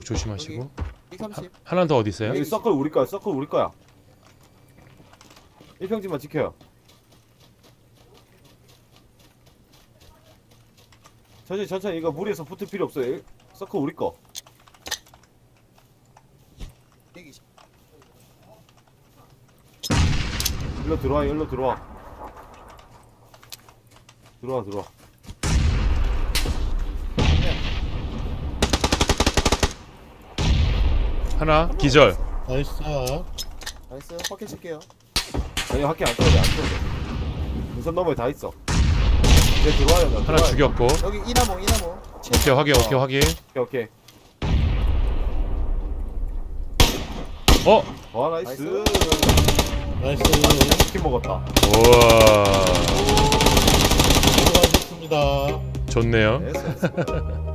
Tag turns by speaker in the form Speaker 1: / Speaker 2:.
Speaker 1: 조심하시고.
Speaker 2: 130.
Speaker 1: 하나 더 어디 있어요?
Speaker 3: 여기 서클 우리 거야. 서클 우리 거야. 1평지만 지켜요. 천천히 이거 무리해서 붙을 필요 없어요. 서클 우리 거.
Speaker 2: 120.
Speaker 3: 일로 들어와. 들어와.
Speaker 1: 하나 기절.
Speaker 4: 나이스.
Speaker 2: 나이스. 확인 칠게요.
Speaker 3: 아니 학교 안 떨어져. 우선 너머에 다 있어. 이제 들어와요. 나
Speaker 1: 하나
Speaker 3: 들어와요.
Speaker 1: 죽였고.
Speaker 2: 여기 이나모.
Speaker 1: 오케이 확인.
Speaker 3: 오케이.
Speaker 1: 어?
Speaker 3: 와 나이스.
Speaker 4: 나이스.
Speaker 3: 치킨 먹었다.
Speaker 1: 우와.
Speaker 4: 수고하셨습니다.
Speaker 1: 좋네요.
Speaker 3: 됐어.